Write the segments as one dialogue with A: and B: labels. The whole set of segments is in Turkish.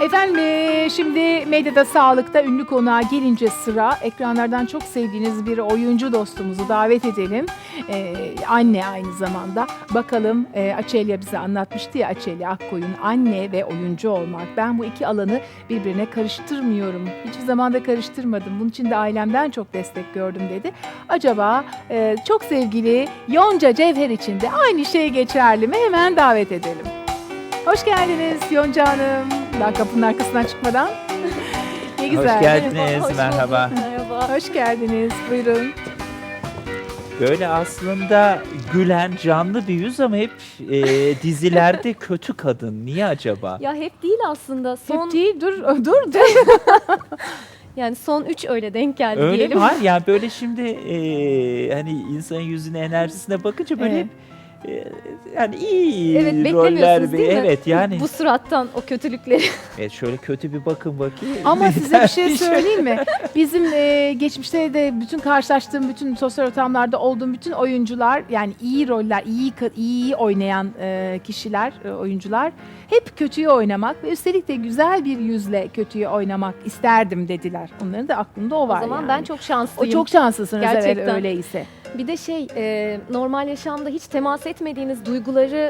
A: Efendim şimdi medyada sağlıkta ünlü konuğa gelince sıra ekranlardan çok sevdiğiniz bir oyuncu dostumuzu davet edelim. Anne aynı zamanda. Bakalım Açelya bize anlatmıştı ya, Açelya Akkoyun, anne ve oyuncu olmak. Ben bu iki alanı birbirine karıştırmıyorum. Hiçbir zaman da karıştırmadım. Bunun için de ailemden çok destek gördüm dedi. Acaba çok sevgili Yonca Cevher için de aynı şey geçerli mi? Hemen davet edelim. Hoş geldiniz Yonca Hanım. Daha kapının arkasından çıkmadan. Ne güzel.
B: Hoş geldiniz, merhaba.
C: Merhaba.
A: Hoş geldiniz. Buyurun.
B: Böyle aslında gülen, canlı bir yüz ama hep dizilerde kötü kadın. Niye acaba?
C: Ya hep değil aslında.
A: Hep değil, dur.
C: Yani son 3 öyle denk geldi
B: Öyle
C: diyelim.
B: mi? Hayır, yani böyle şimdi hani insanın yüzüne, enerjisine bakınca böyle
A: Evet.
B: hep yani iyi
C: Evet,
B: roller.
C: beklemiyorsunuz değil mi?
B: Evet yani.
C: Bu surattan o kötülükleri.
B: Evet, şöyle kötü bir bakın bakayım.
A: Ama size bir şey söyleyeyim mi? Bizim geçmişte de bütün karşılaştığım, bütün sosyal ortamlarda olduğum bütün oyuncular, yani iyi roller, iyi oynayan kişiler, oyuncular hep kötüyü oynamak ve üstelik de güzel bir yüzle kötüyü oynamak isterdim dediler. Onların da aklında o var.
C: O zaman
A: yani.
C: ben çok
A: O
C: şanslıyım.
A: çok şanslısınız
C: Gerçekten.
A: evet, öyleyse.
C: Bir de normal yaşamda hiç temas etmediğiniz duyguları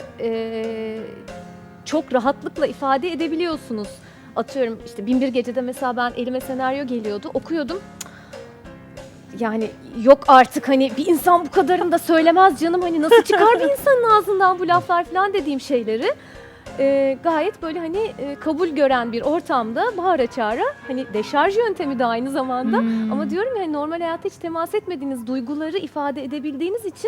C: çok rahatlıkla ifade edebiliyorsunuz. Atıyorum işte Binbir Gece'de mesela ben elime senaryo geliyordu, okuyordum. Yani yok artık, hani bir insan bu kadarını da söylemez canım, hani nasıl çıkar bir insanın ağzından bu laflar falan dediğim şeyleri gayet böyle hani kabul gören bir ortamda bağıra çağıra, hani deşarj yöntemi de aynı zamanda. Ama diyorum ya, hani normal hayatta hiç temas etmediğiniz duyguları ifade edebildiğiniz için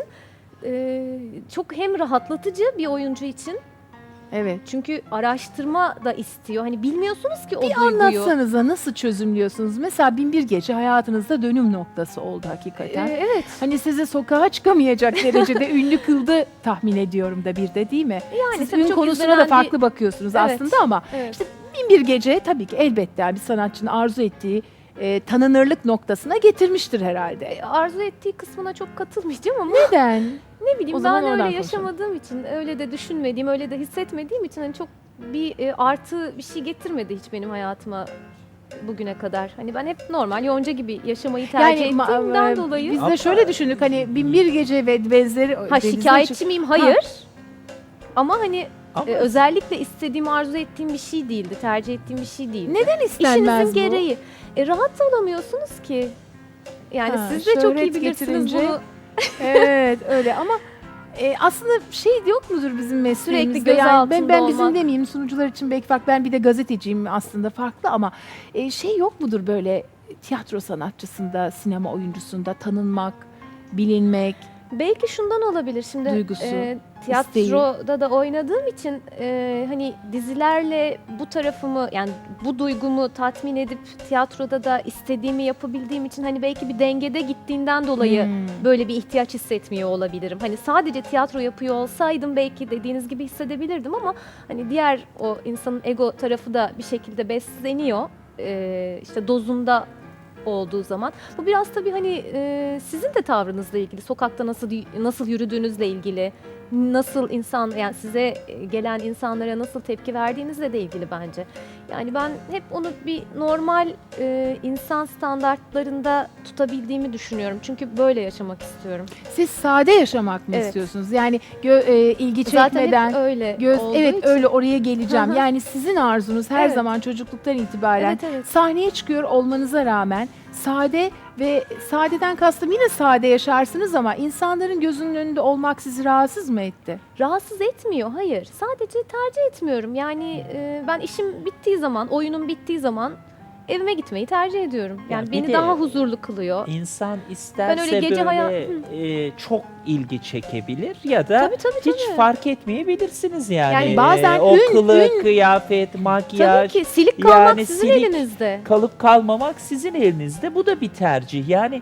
C: çok hem rahatlatıcı bir oyuncu için.
A: Evet.
C: Çünkü araştırma da istiyor. Hani bilmiyorsunuz ki o
A: Bir
C: duyguyu.
A: anlatsanıza, nasıl çözümlüyorsunuz? Mesela Binbir Gece hayatınızda dönüm noktası oldu hakikaten.
C: Evet.
A: Hani sizi sokağa çıkamayacak derecede ünlü kıldı tahmin ediyorum da bir de, değil mi?
C: Yani
A: Siz
C: tabii
A: ün
C: çok
A: konusuna da
C: izlenen
A: farklı bakıyorsunuz
C: Evet.
A: aslında ama
C: Evet.
A: Binbir Gece tabii ki elbette yani bir sanatçının arzu ettiği tanınırlık noktasına getirmiştir herhalde.
C: Arzu ettiği kısmına çok katılmayacağım ama
A: Neden?
C: ne bileyim,
A: O zaman
C: ben öyle
A: oradan
C: yaşamadığım için, öyle de düşünmediğim, öyle de hissetmediğim için hani çok bir artı bir şey getirmedi hiç benim hayatıma bugüne kadar. Hani ben hep normal Yonca gibi yaşamayı tercih ettiğimden dolayı.
A: Biz de şöyle düşündük, hani Binbir Gece ve benzeri.
C: Ha, şikayetçi miyim? Hayır. Ama hani
B: Ama
C: özellikle istediğim, arzu ettiğim bir şey değildi. Tercih ettiğim bir şey değildi.
A: Neden istenmez
C: İşinizin
A: bu?
C: gereği. Rahat da olamıyorsunuz ki. Yani
A: Ha,
C: siz de çok
A: şöhret
C: iyi bilirsiniz
A: getirince
C: bunu.
A: Evet öyle ama aslında şey yok mudur bizim mesleğimizde?
C: Sürekli göz
A: Yani
C: altında
A: ben bizim
C: olmak.
A: demeyeyim, sunucular için belki farklı, ben bir de gazeteciyim aslında, farklı ama şey yok mudur böyle tiyatro sanatçısında, sinema oyuncusunda tanınmak, bilinmek?
C: Belki şundan olabilir. Şimdi
A: Duygusu,
C: tiyatroda da oynadığım için hani dizilerle bu tarafımı, yani bu duygumu tatmin edip tiyatroda da istediğimi yapabildiğim için hani belki bir dengede gittiğinden dolayı böyle bir ihtiyaç hissetmiyor olabilirim. Hani sadece tiyatro yapıyor olsaydım belki dediğiniz gibi hissedebilirdim ama hani diğer o insanın ego tarafı da bir şekilde besleniyor. İşte dozunda olduğu zaman. Bu biraz tabii hani sizin de tavrınızla ilgili, sokakta nasıl yürüdüğünüzle ilgili, nasıl yani size gelen insanlara nasıl tepki verdiğinizle de ilgili bence. Yani ben hep onu bir normal insan standartlarında tutabildiğimi düşünüyorum. Çünkü böyle yaşamak istiyorum.
A: Siz sade yaşamak mı
C: Evet.
A: istiyorsunuz? Yani ilgi
C: Zaten
A: çekmeden
C: hep öyle olduğu
A: evet
C: için.
A: öyle, oraya geleceğim.
C: Hı hı.
A: Yani sizin arzunuz her
C: Evet.
A: zaman çocukluktan itibaren
C: Evet, evet.
A: sahneye çıkıyor olmanıza rağmen sade, ve sadeden kastım yine sade yaşarsınız ama insanların gözünün önünde olmak sizi rahatsız mı etti?
C: Rahatsız etmiyor, hayır. Sadece tercih etmiyorum. Yani ben işim bittiği zaman, oyunum bittiği zaman evime gitmeyi tercih ediyorum. Yani
B: bir
C: beni
B: de
C: daha huzurlu kılıyor.
B: İnsan isterse
C: öyle gece
B: böyle çok ilgi çekebilir ya da
C: Tabii,
B: hiç
C: tabii.
B: fark etmeyebilirsiniz yani.
A: Yani bazen
B: o
A: ün-
B: kılık, kıyafet,
C: Tabii
B: makyaj,
C: ki silik kalmak
B: yani
C: sizin
B: silik
C: elinizde.
B: kalıp kalmamak sizin elinizde. Bu da bir tercih. Yani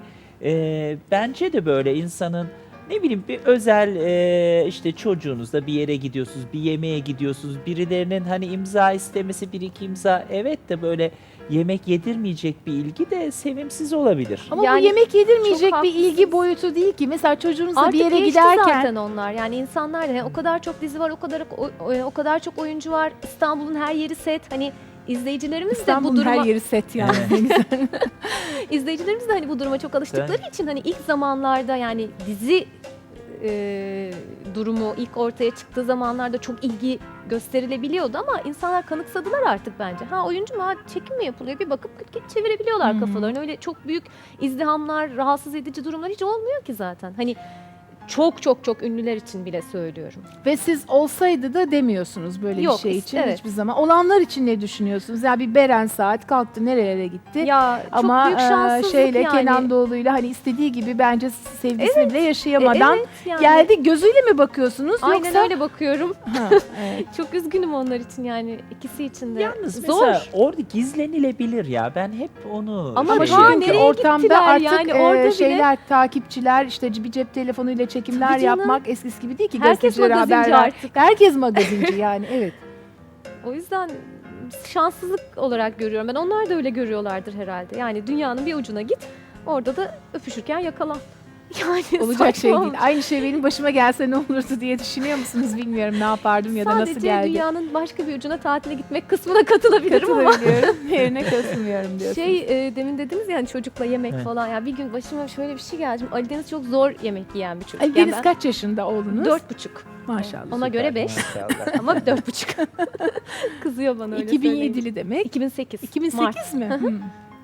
B: bence de böyle insanın, ne bileyim, bir özel işte çocuğunuzla bir yere gidiyorsunuz, bir yemeğe gidiyorsunuz. Birilerinin hani imza istemesi, bir iki imza, evet, de böyle yemek yedirmeyecek bir ilgi de sevimsiz olabilir.
A: Ama
C: Yani
A: bu yemek yedirmeyecek
C: çok
A: bir ilgi
C: haklısınız.
A: boyutu değil ki. Mesela çocuğunuzla
C: Artık
A: bir yere
C: geçti
A: giderken
C: zaten onlar. Yani insanlar da o kadar çok dizi var, o kadar çok oyuncu var. İstanbul'un her yeri set. Hani izleyicilerimiz de bu
A: İstanbul'un
C: duruma
A: her yeri set yani. Ne güzel.
C: izleyicilerimiz de hani bu duruma çok alıştıkları için hani ilk zamanlarda yani dizi durumu ilk ortaya çıktığı zamanlarda çok ilgi gösterilebiliyordu ama insanlar kanıksadılar artık bence. Ha oyuncu mu? Ha çekim mi yapılıyor? Bir bakıp çevirebiliyorlar kafalarını. Öyle çok büyük izdihamlar, rahatsız edici durumlar hiç olmuyor ki zaten. Hani çok çok çok ünlüler için bile söylüyorum.
A: Ve siz olsaydı da demiyorsunuz böyle
C: Yok,
A: bir şey için
C: evet.
A: hiçbir zaman. Olanlar için ne düşünüyorsunuz? Ya bir Beren Saat kalktı nerelere gitti.
C: Ya çok
A: Ama
C: büyük şanssızlık
A: şeyle
C: yani.
A: Kenan Doğulu'yla hani istediği gibi bence sevgisini bile yaşayamadan
C: Evet yani.
A: geldi. Gözüyle mi bakıyorsunuz
C: Aynen
A: yoksa?
C: öyle bakıyorum.
A: Ha, evet.
C: Çok üzgünüm onlar için yani ikisi için de.
B: Yalnız
C: Zor.
B: mesela orada gizlenilebilir ya. Ben hep onu
C: Ama
A: Ama
B: şey
C: şu an
A: çünkü
C: nereye
A: ortamda
C: gittiler
A: artık
C: yani? Orada bile-
A: şeyler, takipçiler işte bir cep telefonuyla çekimler
C: Tabii canım.
A: yapmak eskisi gibi değil ki.
C: Herkes
A: gazetecilere
C: magazinci
A: haber ver.
C: artık.
A: Herkes magazinci yani evet.
C: O yüzden şanssızlık olarak görüyorum ben. Onlar da öyle görüyorlardır herhalde. Yani dünyanın bir ucuna git, orada da öpüşürken yakalan. Yani
A: Olacak şey
C: saçma
A: değil. Aynı şey benim başıma gelse ne olurdu diye düşünüyor musunuz bilmiyorum ne yapardım ya da nasıl
C: Sadece
A: geldi.
C: dünyanın başka bir ucuna tatile gitmek kısmına katılabilirim ama.
A: Katılabiliyorum. Yerine katılmıyorum diyorsunuz.
C: Demin dediniz yani çocukla yemek
B: Evet.
C: falan. Ya bir gün başıma şöyle bir şey geldi. Şimdi Ali Deniz çok zor yemek yiyen bir çocuk.
A: Ali
C: Yani
A: Deniz
C: ben
A: kaç yaşında oğlunuz?
C: 4,5
A: Maşallah.
C: Ona göre 5
B: Maşallah.
C: ama 4,5. Kızıyor bana öyle söyleyince.
A: 2007'li demek.
C: 2008.
A: 2008
C: Mart.
A: mi? Hmm.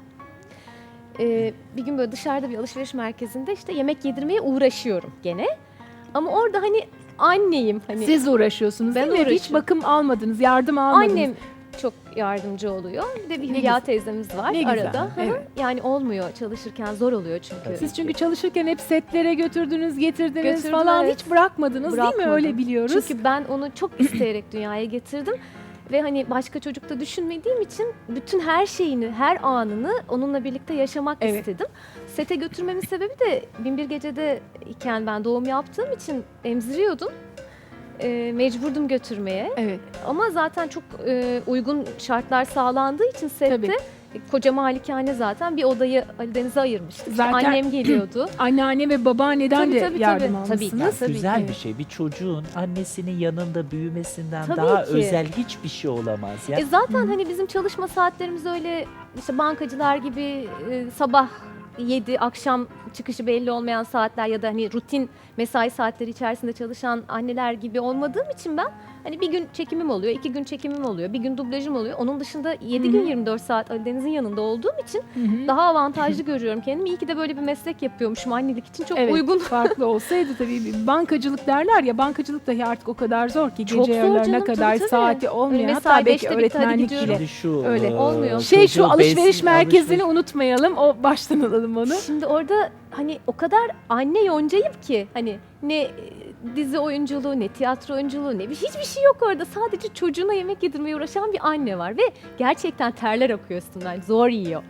C: Bir gün böyle dışarıda bir alışveriş merkezinde işte yemek yedirmeye uğraşıyorum gene. Ama orada hani anneyim hani.
A: Siz uğraşıyorsunuz
C: Ben
A: değil mi? Hiç
C: uğraşıyorum.
A: bakım almadınız, yardım almadınız.
C: Annem çok yardımcı oluyor. Bir de bir
A: Ne
C: Hülya
A: güzel.
C: teyzemiz var
A: Ne güzel,
C: arada. Hı hı.
A: evet.
C: Yani olmuyor çalışırken zor oluyor çünkü.
A: Siz çünkü çalışırken hep setlere götürdünüz, getirdiniz
C: Götürdüm,
A: falan
C: evet.
A: hiç bırakmadınız değil mi?
C: Bırakmadım.
A: Öyle biliyoruz.
C: Çünkü ben onu çok isteyerek dünyaya getirdim. Ve hani başka çocukta düşünmediğim için bütün her şeyini, her anını onunla birlikte yaşamak
A: Evet.
C: istedim. Sete götürmemin sebebi de Binbir Gece'de iken ben doğum yaptığım için emziriyordum. Mecburdum götürmeye.
A: Evet.
C: Ama zaten çok uygun şartlar sağlandığı için sette
A: Tabii.
C: koca malikane zaten bir odayı Ali Deniz'e ayırmıştık.
A: Zaten-
C: Annem geliyordu.
A: Anneanne ve babaanneden
C: Tabii,
A: de
C: tabii,
A: yardım
C: tabii. Tabii ki.
A: almışsınız.
B: Ya güzel
C: ki.
B: bir şey. Bir çocuğun annesinin yanında büyümesinden
C: Tabii
B: daha
C: ki.
B: özel hiçbir şey olamaz ya.
C: Zaten hani bizim çalışma saatlerimiz öyle işte bankacılar gibi sabah 7 akşam çıkışı belli olmayan saatler ya da hani rutin mesai saatleri içerisinde çalışan anneler gibi olmadığım için ben hani bir gün çekimim oluyor, 2 gün çekimim oluyor, bir gün dublajım oluyor. Onun dışında 7 gün 24 saat Ali Deniz'in yanında olduğum için
A: Hı hı.
C: daha avantajlı görüyorum kendimi. İyi ki de böyle bir meslek yapıyormuşum. Annelik için çok
A: Evet,
C: uygun.
A: farklı olsaydı tabii bankacılık derler ya bankacılık dahi artık o kadar zor ki
C: Çok
A: gece
C: zor
A: yarılarına
C: canım,
A: kadar
C: tabii, tabii.
A: saati olmayan
C: Öyle
A: hatta
C: mesai
A: belki
C: 5'te bitti, hadi
A: öğretmenlik
C: gidiyorum.
A: bile.
B: Şimdi şu
A: Öyle.
C: Olmuyor.
A: Şey şu
B: çocuğu
A: alışveriş
B: besin-
A: merkezini
B: alışveriş-
A: unutmayalım. O baştan alalım onu.
C: Şimdi orada hani o kadar anne yoncayım ki hani ne dizi oyunculuğu ne tiyatro oyunculuğu ne hiçbir şey yok orada. Sadece çocuğuna yemek yedirmeye uğraşan bir anne var ve gerçekten terler akıyor üstünden. Zor yiyor.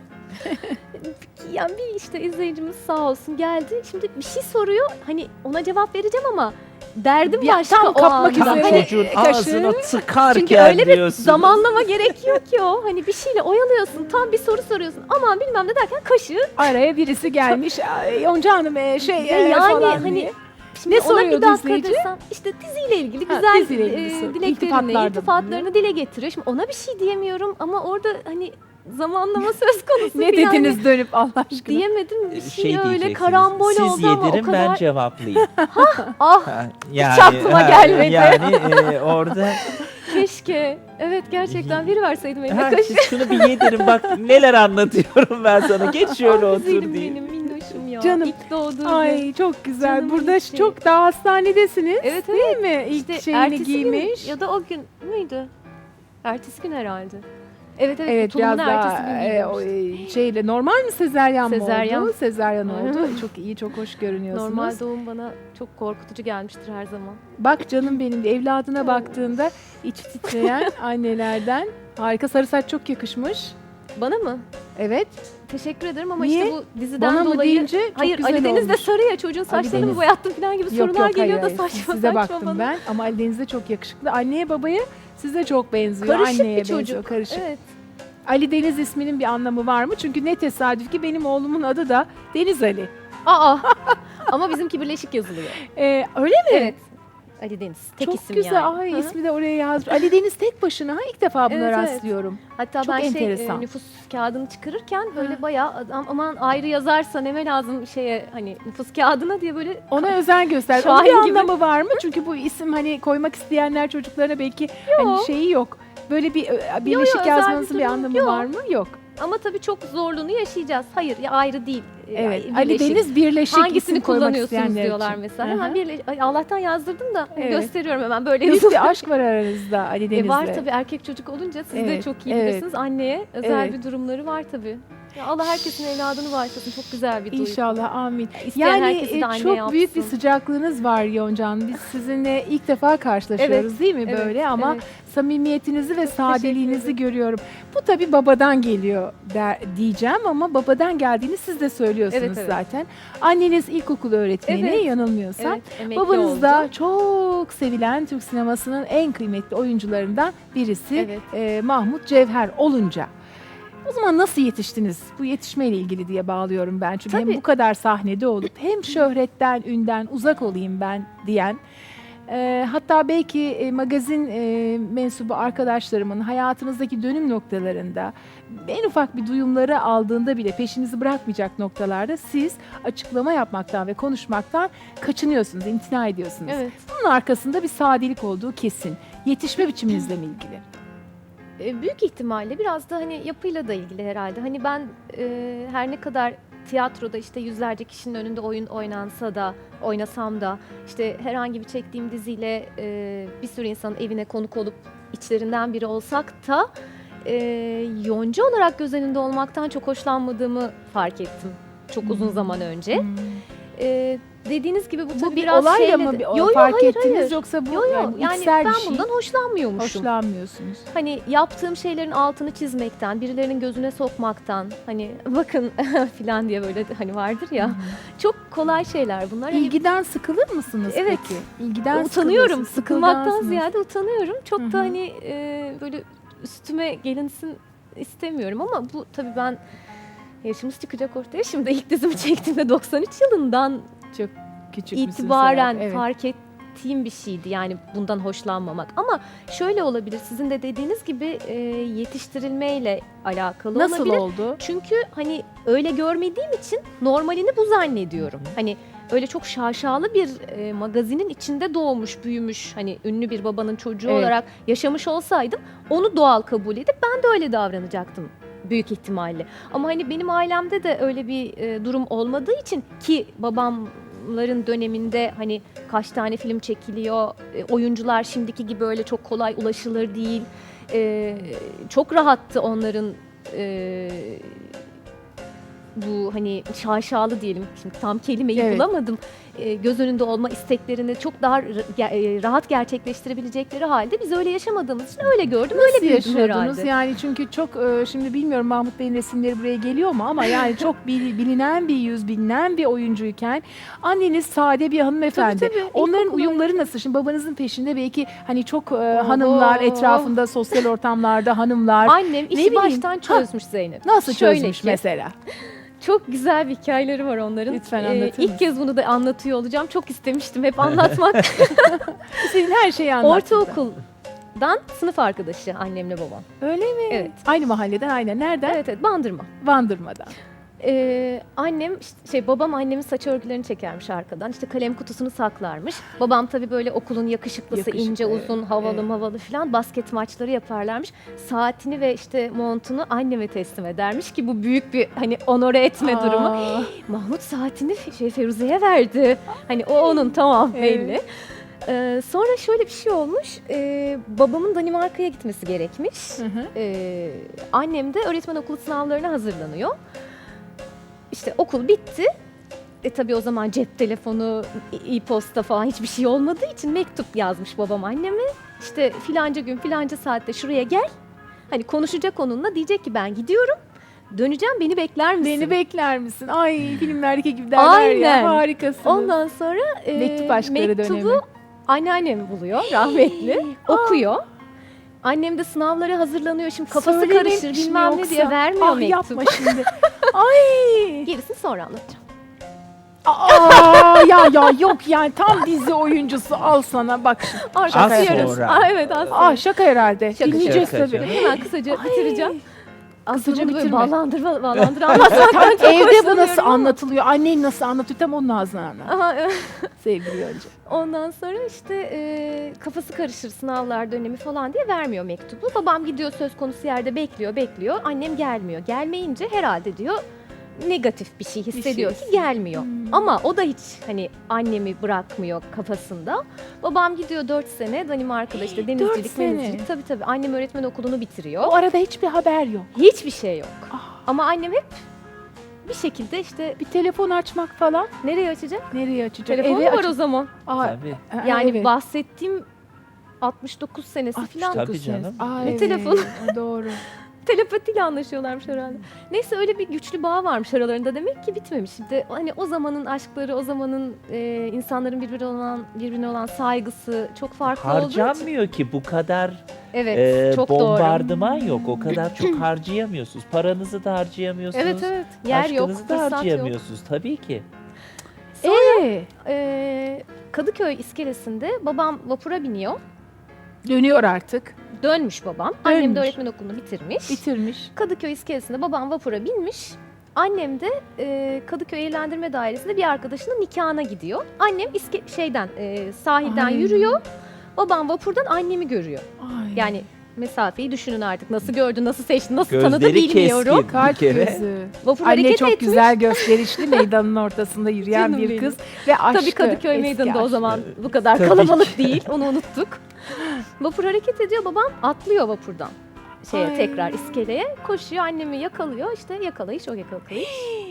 C: Yani bir işte izleyicimiz sağ olsun geldi. Şimdi bir şey soruyor. Hani ona cevap vereceğim ama derdim
A: Ya,
C: başka
A: tam
C: o
A: kapmak
C: anda.
A: üzere.
C: Hani
B: Çocuğun
A: kaşığı-
B: ağzına tıkarken
C: çünkü öyle bir
B: diyorsun.
C: zamanlama gerekiyor ki o. Hani bir şeyle oyalıyorsun. Tam bir soru soruyorsun. Aman bilmem ne derken kaşığı.
A: Araya birisi gelmiş. "Ay, Yonca Hanım
C: yani
A: falan
C: hani
A: diye.
C: Şimdi
A: Ne
C: ona
A: soruyordu
C: bir dakika
A: izleyici?
C: desem işte diziyle ilgili
A: Ha,
C: güzel
A: diziyle ilgili soru.
C: dileklerini,
A: İltifatlarda
C: iltifatlarını dile getiriyor. Şimdi ona bir şey diyemiyorum ama orada hani zamanlama söz konusu
A: Ne
C: falan.
A: dediniz dönüp Allah aşkına?
C: Diyemedim bir şey, öyle
B: diyeceksiniz,
C: karambol
B: siz
C: oldu ama o
B: yedirin ben
C: kadar.
B: cevaplayayım.
C: Ah
B: Ha, yani,
C: aklıma gelmedi.
B: Yani orada
C: keşke. Evet gerçekten biri verseydim eline
B: ha,
C: kaşığı.
B: siz şunu bir yedirin bak neler anlatıyorum ben sana. Geç şöyle
C: Ah,
B: otur
C: güzelim
B: diye.
C: benim minnoşum ya.
A: Canım.
C: İlk doğduğu gün.
A: Ay çok güzel.
C: Canımın
A: Burada
C: içi.
A: çok daha hastanedesiniz.
C: Evet
A: Değil
C: evet.
A: mi? İlk
C: İşte
A: şeyini
C: ertesi
A: giymiş.
C: gün ya da o gün müydü? Ertesi gün herhalde. Evet evet.
A: Evet
C: tulumun
A: biraz
C: ertesi
A: daha
C: gün giymiştim.
A: şeyle normal mi sezeryan mı
C: Sezeryan.
A: oldu? Sezeryan oldu. Çok iyi, çok hoş görünüyorsunuz.
C: Normal doğum bana çok korkutucu gelmiştir her zaman.
A: Bak canım benim de evladına baktığında iç titreyen annelerden. Harika, sarı saç çok yakışmış.
C: Bana mı?
A: Evet.
C: Teşekkür ederim ama
A: Niye?
C: işte bu diziden
A: Bana mı
C: dolayı...
A: deyince çok
C: Hayır
A: güzel
C: Ali Deniz de
A: olmuş.
C: sarı ya çocuğun saçlarını mı
A: Deniz.
C: boyattın falan gibi sorular
A: hayır,
C: geliyor da
A: hayır.
C: saçma
A: Size
C: saçma
A: baktım
C: bana.
A: ben ama Ali Deniz de çok yakışıklı. Anneye babaya size çok benziyor.
C: Karışık
A: Anneye
C: bir çocuk.
A: benziyor, karışık.
C: Evet.
A: Ali Deniz isminin bir anlamı var mı? Çünkü ne tesadüf ki benim oğlumun adı da Deniz Ali.
C: Aa ama bizimki birleşik yazılıyor.
A: Öyle mi?
C: Evet. Ali Deniz. Tek
A: Çok
C: isim
A: güzel.
C: yani.
A: Ay
C: Hı hı.
A: ismi de oraya yazmış. Ali Deniz tek başına. İlk defa buna
C: Evet, evet.
A: rastlıyorum.
C: Hatta
A: Çok
C: ben
A: enteresan.
C: nüfus kağıdını çıkarırken böyle bayağı adam aman ayrı yazarsa neme lazım şeye hani nüfus kağıdına diye böyle
A: Ona özen göster. Onun bir
C: Şahin gibi.
A: anlamı var mı? Çünkü bu isim hani koymak isteyenler çocuklarına belki hani şeyi yok. Böyle bir birleşik
C: özel
A: yazmanızın
C: bir
A: bir
C: durum
A: anlamı
C: yok.
A: var mı? Yok.
C: ama tabii çok zorluğunu yaşayacağız. Hayır ya ayrı değil.
A: Evet.
C: Yani
A: Ali
C: birleşik.
A: Deniz birleşik
C: Hangisini
A: isim koymak
C: kullanıyorsunuz
A: isteyenler
C: diyorlar
A: için.
C: mesela.
A: Hı hı.
C: Hemen Ay, Allah'tan yazdırdım da
A: Evet.
C: gösteriyorum hemen böyle
A: Büyük
C: yazılı.
A: bir aşk var aranızda Ali Deniz'le.
C: Var tabii erkek çocuk olunca siz de
A: Evet,
C: çok iyi
A: evet.
C: bilirsiniz. Anneye özel
A: Evet.
C: bir durumları var tabii. Ya Allah herkesin evladını bağışlasın. Çok güzel bir duygu.
A: İnşallah amin.
C: İsteyen
A: Yani
C: herkesi de anne
A: çok
C: yapsın.
A: büyük bir sıcaklığınız var Yoncan. Biz sizinle ilk defa karşılaşıyoruz
C: Evet,
A: değil mi
C: evet,
A: böyle ama
C: evet.
A: samimiyetinizi ve
C: Çok
A: sadeliğinizi
C: teşekkür ederim.
A: görüyorum. Bu tabii babadan geliyor diyeceğim ama babadan geldiğini siz de söylüyorsunuz
C: Evet, evet.
A: zaten. Anneniz ilkokul öğretmeni
C: Evet.
A: yanılmıyorsam.
C: Evet, emekli
A: Babanız
C: oldu.
A: da çok sevilen Türk sinemasının en kıymetli oyuncularından birisi
C: Evet.
A: Mahmut Cevher olunca. O zaman nasıl yetiştiniz? Bu yetişmeyle ilgili diye bağlıyorum ben. Çünkü hem
C: Tabii.
A: bu kadar sahnede olup hem şöhretten, ünden uzak olayım ben diyen, hatta belki magazin mensubu arkadaşlarımın hayatınızdaki dönüm noktalarında en ufak bir duyumları aldığında bile peşinizi bırakmayacak noktalarda siz açıklama yapmaktan ve konuşmaktan kaçınıyorsunuz, imtina ediyorsunuz.
C: Evet.
A: Bunun arkasında bir sadelik olduğu kesin. Yetişme biçiminizle mi ilgili?
C: Büyük ihtimalle biraz da hani yapıyla da ilgili herhalde. Hani ben her ne kadar tiyatroda işte yüzlerce kişinin önünde oyun oynasam da işte herhangi bir çektiğim diziyle bir sürü insanın evine konuk olup içlerinden biri olsak da yonca olarak göz önünde olmaktan çok hoşlanmadığımı fark ettim çok uzun zaman önce. Dediğiniz gibi bu
A: Bu
C: tabii
A: bir
C: biraz
A: olayla
C: şeyle
A: mı
C: de-
A: bir
C: Yo, yo,
A: fark
C: hayır,
A: ettiniz
C: hayır.
A: yoksa bu
C: Yo, yo,
A: yani
C: yani
A: içsel
C: ben
A: bir şey?
C: bundan hoşlanmıyormuşum.
A: Hoşlanmıyorsunuz.
C: Hani yaptığım şeylerin altını çizmekten, birilerinin gözüne sokmaktan, hani bakın filan diye böyle hani vardır ya. Çok kolay şeyler bunlar. Hani
A: İlgiden sıkılır mısınız
C: Evet.
A: peki? İlgiden
C: utanıyorum.
A: sıkılırsınız,
C: Sıkılmaktan
A: sıkılgansınız.
C: ziyade utanıyorum. Çok
A: Hı hı.
C: da hani böyle üstüme gelinsin istemiyorum ama bu tabii ben yaşımız çıkacak ortaya. Şimdi ilk dizimi çektiğimde 93 yılından
A: Çok küçük müsünüz
C: itibaren
A: herhalde, evet.
C: fark ettiğim bir şeydi yani bundan hoşlanmamak. Ama şöyle olabilir, sizin de dediğiniz gibi yetiştirilmeyle alakalı
A: Nasıl
C: olabilir.
A: oldu?
C: Çünkü hani öyle görmediğim için normalini bu zannediyorum. Hani öyle çok şaşalı bir magazinin içinde doğmuş, büyümüş, hani ünlü bir babanın çocuğu
A: Evet.
C: olarak yaşamış olsaydım onu doğal kabul edip ben de öyle davranacaktım büyük ihtimalle. Ama hani benim ailemde de öyle bir durum olmadığı için ki babamların döneminde hani kaç tane film çekiliyor, oyuncular şimdiki gibi öyle çok kolay ulaşılır değil. Çok rahattı onların bu hani şaşalı diyelim, şimdi tam kelimeyi
A: Evet.
C: bulamadım. Göz önünde olma isteklerini çok daha rahat gerçekleştirebilecekleri halde biz öyle yaşamadığımız için öyle gördüm, öyle
A: Nasıl
C: büyüdüm
A: yaşıyordunuz?
C: herhalde.
A: Yani çünkü çok şimdi bilmiyorum Mahmut Bey'in resimleri buraya geliyor mu ama yani çok bilinen bir yüz, bilinen bir oyuncuyken anneniz sade bir hanımefendi.
C: Tabii, tabii.
A: Onların
C: İlkokul
A: uyumları nasıl? Şimdi babanızın peşinde belki hani çok hanımlar etrafında, sosyal ortamlarda hanımlar.
C: Annem işi
A: bileyim,
C: baştan çözmüş Zeynep.
A: Nasıl
C: Şöyle
A: çözmüş
C: ki,
A: mesela?
C: Çok güzel bir hikayeleri var onların.
A: Lütfen anlatır mısın?
C: İlk kez bunu da anlatıyor olacağım. Çok istemiştim hep anlatmak.
A: Senin her şeyi anlattın.
C: Ortaokuldan sınıf arkadaşı annemle babam.
A: Öyle mi?
C: Evet.
A: Aynı mahalleden, aynen. Nereden?
C: Evet evet, Bandırma.
A: Bandırmadan.
C: Annem babam annemin saç örgülerini çekermiş arkadan. İşte kalem kutusunu saklarmış. Babam tabii böyle okulun yakışıklısı,
A: Yakışıklı,
C: ince
A: evet,
C: uzun, havalı
A: evet.
C: havalı falan basket maçları yaparlarmış. Saatini ve işte montunu anneme teslim edermiş ki bu büyük bir hani onore etme durumu.
A: Aa,
C: Mahmut saatini Feruze'ye verdi. Hani o onun, tamam, belli. Sonra şöyle bir şey olmuş. Babamın Danimarka'ya gitmesi gerekmiş.
A: hı hı.
C: Annem de öğretmen okulu sınavlarına hazırlanıyor. İşte okul bitti. Tabii o zaman cep telefonu, e-posta falan hiçbir şey olmadığı için mektup yazmış babam anneme. İşte filanca gün filanca saatte şuraya gel. Hani konuşacak onunla, diyecek ki ben gidiyorum. Döneceğim, beni bekler misin?
A: Beni bekler misin? Ay filmlerdeki gibi derler
C: Aynen.
A: ya. Harikasınız.
C: Ondan sonra
A: Mektup aşkları
C: mektubu
A: dönemi.
C: anneannem buluyor rahmetli. Okuyor. Annem de sınavlara hazırlanıyor. Şimdi kafası
A: Söylememiş
C: karışır
A: mi
C: bilmem ne
A: yoksa?
C: diye vermiyor
A: Ah,
C: mektubu.
A: yapma şimdi. Ay.
C: Gerisini sonra anlatacağım.
A: Aa, ya yok yani tam dizi oyuncusu al sana bak.
C: Artık
A: Şaka
C: diyoruz.
B: yapıyorum.
C: Evet aslında.
A: Ah şaka herhalde.
C: Şaka,
A: Dinleyeceğiz
B: şaka
A: tabii.
B: canım.
C: Hemen kısaca bitireceğim. Aslında
A: Kısaca
C: bunu böyle
A: bitirme.
C: bağlandır anlatmaktan çok
A: Evde bu
C: hoşlanıyorum
A: nasıl
C: ama.
A: anlatılıyor? Annen nasıl anlatıyor? Tam onun ağzından anlat.
C: Aha, evet.
A: Sevgili Yonca.
C: Ondan sonra işte kafası karışır sınavlar dönemi falan diye vermiyor mektubu. Babam gidiyor söz konusu yerde bekliyor. Annem gelmiyor. Gelmeyince herhalde diyor negatif bir şey hissediyor ki gelmiyor. Ama o da hiç hani annemi bırakmıyor kafasında. Babam gidiyor 4 sene Danimarka'da işte denizcilik,
A: sene.
C: menizcilik. Tabii annem öğretmen okulunu bitiriyor.
A: O arada hiçbir haber yok.
C: Hiçbir şey yok.
A: Ah.
C: Ama annem hep bir şekilde işte
A: Bir telefon açmak falan.
C: nereye açacak?
A: Nereye açacak?
C: Telefon mu var o zaman?
A: Aa,
B: Tabii.
C: Yani
A: evet.
C: bahsettiğim 69 senesi falan.
B: Tabii canım.
A: Aa,
C: Ne
A: evet,
C: telefonu?
A: Doğru.
C: Telepatiyle anlaşıyorlarmış herhalde. Neyse öyle bir güçlü bağ varmış aralarında demek ki bitmemiş. Şimdi hani o zamanın aşkları, o zamanın insanların birbirine olan saygısı çok farklı olduğu için.
B: Harcanmıyor ki bu kadar
C: Evet, çok doğru.
B: bombardıman yok. O kadar çok harcayamıyorsunuz. Paranızı da harcayamıyorsunuz.
C: Evet. Yer yok,
B: Aşkınızı da
C: fırsat yok.
B: harcayamıyorsunuz tabii ki.
C: Kadıköy iskelesinde babam vapura biniyor.
A: Dönüyor artık.
C: Dönmüş babam. Annem
A: Dönmüş.
C: de öğretmen okulunu bitirmiş.
A: Bitirmiş.
C: Kadıköy iskelesinde babam vapura binmiş. Annem de Kadıköy Eğlendirme Dairesi'nde bir arkadaşının nikahına gidiyor. Annem sahilden
A: Ay.
C: yürüyor. Babam vapurdan annemi görüyor.
A: Ay.
C: Yani mesafeyi düşünün artık. Nasıl gördü, nasıl seçti, nasıl tanıdı
B: Gözleri
C: bilmiyorum.
B: keskin.
A: Kalp
B: bir kere.
A: gözü.
C: Vapur
A: Anne
C: hareket
A: çok
C: etmiş.
A: güzel gösterişli meydanın ortasında yürüyen
C: Canım
A: bir
C: benim.
A: kız ve aşkı.
C: Tabii Kadıköy
A: eski
C: Meydanı'nda o
A: aşkı.
C: zaman bu kadar
B: Tabii
C: kalabalık
B: ki.
C: değil. Onu unuttuk. Vapur hareket ediyor. Babam atlıyor vapurdan.
A: Ay.
C: Tekrar iskeleye koşuyor. Annemi yakalıyor. İşte yakalayış o yakalayış.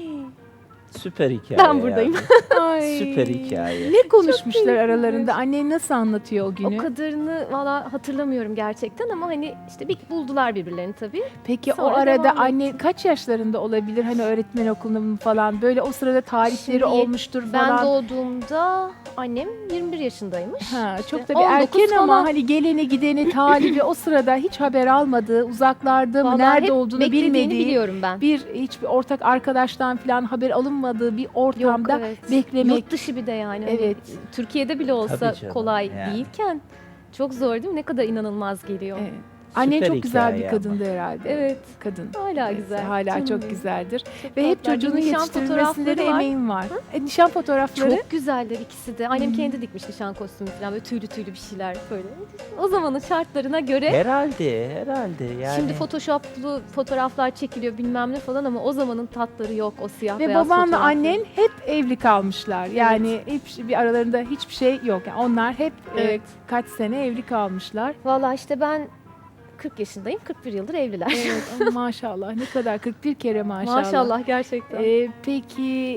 B: Süper hikaye.
C: Ben buradayım.
B: yani.
A: Ay.
B: Süper hikaye.
A: Ne konuşmuşlar
C: keyifli.
A: aralarında? Annen nasıl anlatıyor o günü?
C: O kadarını valla hatırlamıyorum gerçekten ama hani işte bir buldular birbirlerini tabii.
A: Peki
C: Sonra
A: o arada
C: devam
A: anne kaç yaşlarında olabilir? Hani öğretmen okulunda mı falan böyle o sırada tarihleri
C: Şimdi
A: olmuştur
C: Ben
A: falan.
C: doğduğumda annem 21 yaşındaymış.
A: Ha, çok
C: İşte
A: da
C: 19
A: bir erken ama
C: falan.
A: hani geleni gideni talibi o sırada hiç haber almadığı, uzaklarda mı,
C: Vallahi
A: nerede
C: hep
A: olduğunu
C: beklediğini
A: bilmediği,
C: biliyorum ben.
A: hiçbir ortak arkadaştan falan haber alınmadığı bir ortamda
C: evet.
A: beklemek.
C: Yurt dışı bir de yani. Hani
A: Evet.
C: Türkiye'de bile olsa
B: Tabii canım,
C: kolay
B: yani.
C: değilken çok zor değil mi? Ne kadar inanılmaz geliyor.
A: Evet. Annen
B: Süper
A: çok güzel bir
B: hikaye
A: kadındı herhalde.
C: Evet.
A: Kadın.
C: Hala
A: Evet,
C: güzel.
A: Hala
C: Canım
A: çok
C: benim.
A: güzeldir.
C: Çok
A: Ve hep
C: tatlılar.
A: çocuğunu
C: Nişan
A: yetiştirmesinde de
C: fotoğrafları var.
A: emeğin var. Nişan fotoğrafları.
C: Çok güzeller ikisi de. Annem kendi dikmiş nişan kostümü falan böyle tüylü bir şeyler böyle. O zamanın şartlarına göre
B: Herhalde yani.
C: şimdi photoshoplu fotoğraflar çekiliyor bilmem ne falan ama o zamanın tatları yok o siyah
A: Ve
C: beyaz
A: babanla
C: fotoğraflar.
A: annen hep evli kalmışlar. Yani hiç bir aralarında hiçbir şey yok. Yani onlar hep
C: Evet.
A: kaç sene evli kalmışlar.
C: Valla işte ben 40 yaşındayım. 41 yıldır evliler.
A: Evet ama maşallah ne kadar 41 kere maşallah.
C: Maşallah gerçekten.
A: Peki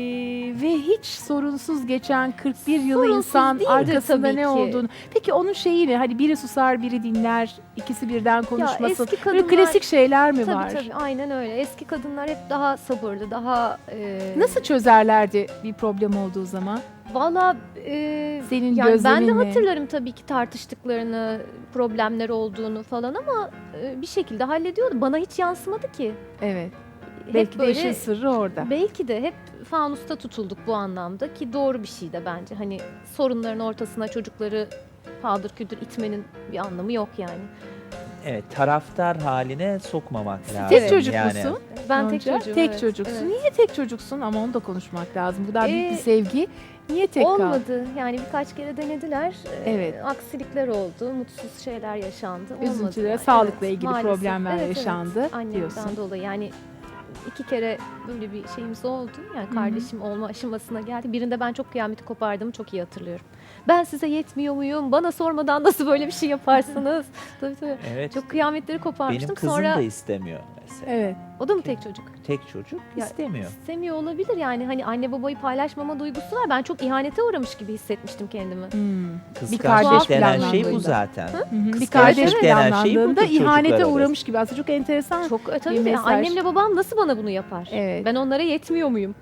A: ve hiç sorunsuz geçen 41 yılı
C: Sorunsuz
A: insan
C: değildir
A: arkasında
C: tabii
A: ne
C: ki.
A: olduğunu. Peki onun şeyi ne? Hani biri susar biri dinler. İkisi birden konuşmasın.
C: eski
A: Böyle
C: kadınlar-
A: klasik şeyler mi var?
C: Tabii aynen öyle. Eski kadınlar hep daha sabırlı, daha...
A: Nasıl çözerlerdi bir problem olduğu zaman?
C: Valla
A: Senin
C: yani ben de
A: gözlemin ne?
C: hatırlarım tabii ki tartıştıklarını, problemler olduğunu falan ama bir şekilde hallediyordu. Bana hiç yansımadı ki.
A: Evet.
C: Hep
A: Belki de
C: böyle-
A: işin sırrı orada.
C: Belki de hep fanusta tutulduk bu anlamda ki doğru bir şey de bence. Hani sorunların ortasına çocukları paldır küldür itmenin bir anlamı yok yani.
B: Evet, taraftar haline sokmamak lazım.
A: Tek çocuk
B: yani.
A: musun?
C: Ben tek
A: Yonca?
C: çocuğum.
A: Tek
C: evet,
A: çocuksun.
C: evet.
A: Niye tek çocuksun? Ama onu da konuşmak lazım. Bu kadar büyük bir sevgi. Niye tek kaldın?
C: Olmadı. Yani birkaç kere denediler.
A: Evet.
C: Aksilikler oldu. Mutsuz şeyler yaşandı. Olmadı
A: Üzüntüler,
C: yani.
A: sağlıkla
C: Evet,
A: ilgili
C: maalesef.
A: problemler
C: Evet,
A: yaşandı
C: evet. Annemden
A: diyorsun.
C: dolayı yani 2 kere böyle bir şeyimiz oldu. Yani kardeşim olma aşamasına geldi. Birinde ben çok kıyameti kopardığımı çok iyi hatırlıyorum. Ben size yetmiyor muyum? Bana sormadan nasıl böyle bir şey yaparsınız? tabii.
B: Evet.
C: Çok kıyametleri koparmıştım.
B: Benim kızım
C: Sonra
B: da istemiyor mesela.
A: Evet.
C: o da mı tek çocuk?
B: Tek çocuk
C: Ya,
B: istemiyor.
C: İstemiyor olabilir yani hani anne babayı paylaşmama duygusu var. Ben çok ihanete uğramış gibi hissetmiştim kendimi.
A: Bir kardeş
B: Kıskançlık denen şey bu
A: planlandığında.
B: zaten.
A: Hı hı. Bir
B: Kıskançlık
A: kardeş
B: denen şey
A: planlandığında
B: budur
A: ihanete
B: çocuklar
A: uğramış gibi. Aslında çok enteresan.
C: Çok
A: Bir
C: tabii
A: mesaj.
C: annemle babam nasıl bana bunu yapar?
A: Evet.
C: Ben onlara yetmiyor muyum?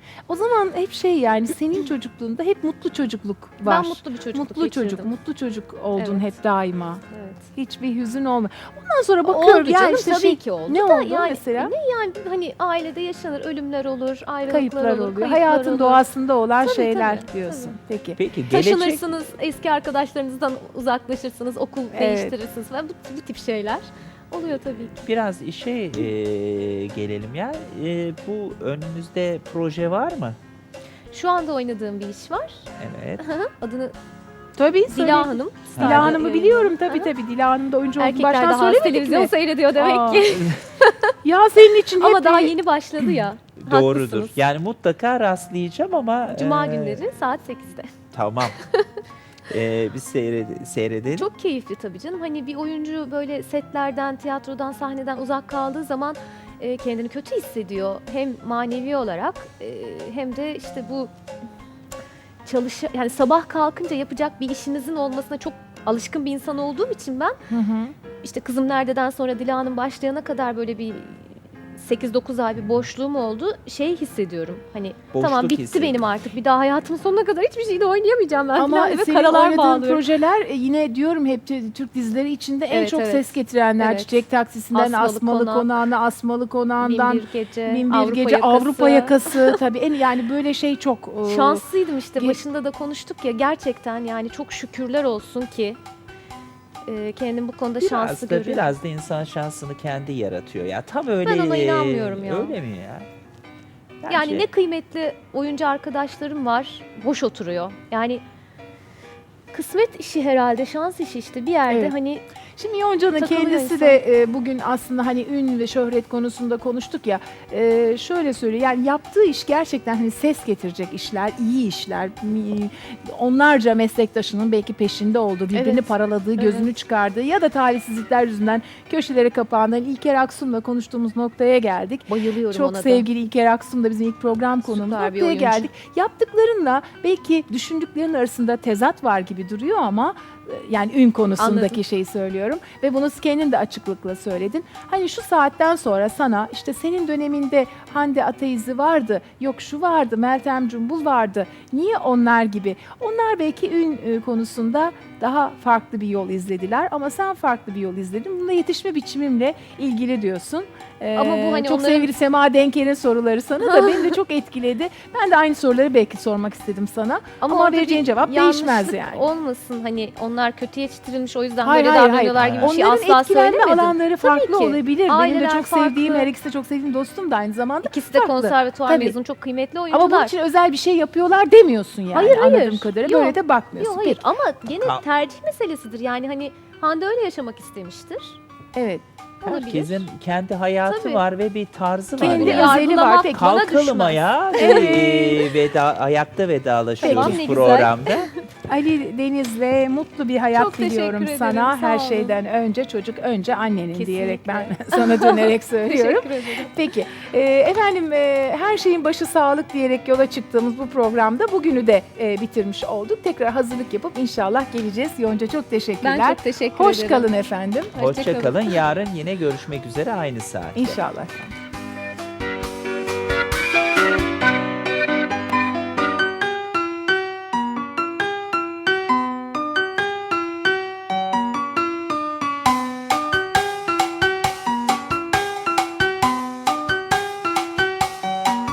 A: O zaman hep şey yani senin çocukluğunda hep mutlu çocukluk var.
C: Ben mutlu bir çocukluk
A: Mutlu çocuk,
C: geçirdim.
A: mutlu çocuk oldun
C: Evet.
A: hep daima.
C: Evet.
A: Hiçbir hüzün olma. Ondan sonra bakıyorum
C: Oldu
A: yani
C: canım,
A: işte
C: tabii ki oldu
A: ne
C: da
A: oldu
C: yani,
A: mesela?
C: Yani hani ailede yaşanır, ölümler olur, ayrılıklar
A: Kayıplar
C: olur,
A: oluyor.
C: kayıplar
A: Hayatın
C: olur.
A: doğasında olan
C: Tabii,
A: şeyler
C: tabii,
A: diyorsun. Peki.
B: Peki gelecek
C: Taşınırsınız, eski arkadaşlarınızdan uzaklaşırsınız, okul
A: Evet.
C: değiştirirsiniz falan bu tip şeyler oluyor tabii ki.
B: biraz işe gelelim ya. Bu önünüzde proje var mı?
C: Şu anda oynadığım bir iş var.
B: Evet.
C: Adını
A: Tabii söyle.
C: Dila Hanım.
A: Dila Hanım'ı
C: Yayınlandı.
A: biliyorum tabii
C: Aha.
A: tabii. Dila Hanım da oyuncu olduğunu
C: Erkekler
A: baştan
C: daha az
A: söylemedik
C: televizyon
A: mi?
C: seyrediyor demek
A: Aa.
C: ki.
A: Ya senin için hep
C: Ama daha yeni başladı ya.
B: Doğrudur.
C: Haklısınız.
B: Yani mutlaka rastlayacağım ama
C: Cuma günleri saat 8'de.
B: tamam. Biz seyredelim.
C: Çok keyifli tabii canım. Hani bir oyuncu böyle setlerden, tiyatrodan, sahneden uzak kaldığı zaman kendini kötü hissediyor. Hem manevi olarak hem de işte bu yani sabah kalkınca yapacak bir işinizin olmasına çok alışkın bir insan olduğum için ben
A: Hı hı.
C: işte Kızım Nerede'den sonra Dila'nın başlayana kadar böyle bir 8-9 ay bir boşluğum oldu. Şey hissediyorum. Hani
B: Boşluk
C: tamam bitti
B: hissediyorum.
C: benim artık. Bir daha hayatımın sonuna kadar hiçbir şeyde oynayamayacağım ben
A: Ama
C: falan ve
A: senin
C: karalar
A: oynadığın
C: bağlıyorum.
A: projeler yine diyorum hep Türk dizileri içinde en
C: Evet,
A: çok
C: evet.
A: ses getirenler.
C: Evet.
A: Çiçek Taksisi'nden
C: Asmalı
A: Asmalı
C: Konak,
A: Konağı'na, Asmalı Konağı'ndan
C: Bin bir gece,
A: Bin bir
C: Avrupa
A: Gece,
C: Yakası.
A: Avrupa Yakası tabii en yani böyle şey çok
C: Şanslıydım işte
A: Ge-
C: başında da konuştuk ya gerçekten yani çok şükürler olsun ki kendim bu konuda şanslı görüyorum.
B: Biraz da insan şansını kendi yaratıyor ya. Tam öyle.
C: Ben ona inanmıyorum ya.
B: Öyle mi ya?
C: Yani
B: Bence-
C: ne kıymetli oyuncu arkadaşlarım var boş oturuyor. Yani kısmet işi herhalde, şans işi işte bir yerde
A: Evet.
C: hani
A: Şimdi Yonca'nın
C: Takılıyor
A: kendisi
C: insan.
A: de bugün aslında hani ün ve şöhret konusunda konuştuk ya. Şöyle söyleyeyim yani yaptığı iş gerçekten hani ses getirecek işler, iyi işler. Onlarca meslektaşının belki peşinde olduğu, birbirini
C: Evet.
A: paraladığı, gözünü
C: Evet.
A: çıkardığı ya da talihsizlikler yüzünden köşelere kapandığı İlker Aksum'la konuştuğumuz noktaya geldik.
C: bayılıyorum
A: Çok
C: ona da.
A: sevgili İlker Aksum da bizim ilk program konuğumuz.
C: Süper bir
A: Noktaya
C: oyuncu.
A: geldik. Yaptıklarınla belki düşündüklerin arasında tezat var gibi duruyor ama yani ün konusundaki
C: Anladım.
A: şeyi söylüyorum ve bunu kendin de açıklıkla söyledin. Hani şu saatten sonra sana işte senin döneminde Hande Ataizi vardı, yok şu vardı, Meltem Cumbul vardı. Niye onlar gibi? Onlar belki ün konusunda daha farklı bir yol izlediler ama sen farklı bir yol izledin. Bunda yetişme biçimimle ilgili diyorsun.
C: Ama bu hani
A: çok
C: onların-
A: sevgili Sema Denker'in soruları sana da beni de çok etkiledi. Ben de aynı soruları belki sormak istedim sana. Ama
C: orada
A: vereceğin
C: bir
A: cevap değişmez
C: yanlışlık
A: yani.
C: olmasın hani onlar kötü yetiştirilmiş o yüzden
A: Hayır,
C: böyle
A: hayır,
C: davranıyorlar
A: hayır.
C: gibi bir şey
A: Onların
C: asla
A: etkilenme
C: söylemedim.
A: alanları farklı
C: ki.
A: olabilir. Benim de
C: Aileler
A: çok sevdiğim,
C: farklı.
A: her ikisi de çok sevdiğim dostum da aynı zamanda.
C: İkisi de
A: farklı.
C: konservatuvar
A: Tabii.
C: mezunu çok kıymetli oyuncular.
A: Ama bunun için özel bir şey yapıyorlar demiyorsun yani
C: Hayır, hayır.
A: anladığım kadarıyla. Böyle
C: Yok.
A: de bakmıyorsun.
C: Yok hayır
A: Peki.
C: ama gene
B: Ka-
C: tercih meselesidir. Yani hani Hande öyle yaşamak istemiştir.
A: Evet.
C: Olabilir.
B: Herkesin kendi hayatı
C: Tabii.
B: var ve bir tarzı var.
A: Kendi
B: yani.
A: özeli var. Peki.
C: bana
B: Kalkalım
C: düşmez.
B: ayağa. Ayakta vedalaşıyoruz
C: Tamam, ne güzel.
B: programda.
A: Ali Deniz'le mutlu bir hayat
C: Çok teşekkür
A: diliyorum
C: ederim,
A: sana.
C: sağ
A: Her
C: olun.
A: şeyden önce çocuk önce annenin
C: Kesinlikle.
A: diyerek ben sana dönerek söylüyorum.
C: Teşekkür ederim.
A: Peki efendim her şeyin başı sağlık diyerek yola çıktığımız bu programda bugünü de bitirmiş olduk. Tekrar hazırlık yapıp inşallah geleceğiz. Yonca çok teşekkürler.
C: Ben çok teşekkür
A: Hoş
C: ederim.
A: kalın efendim.
B: Hoşça kalın. Yarın yine görüşmek üzere aynı saatte.
A: İnşallah.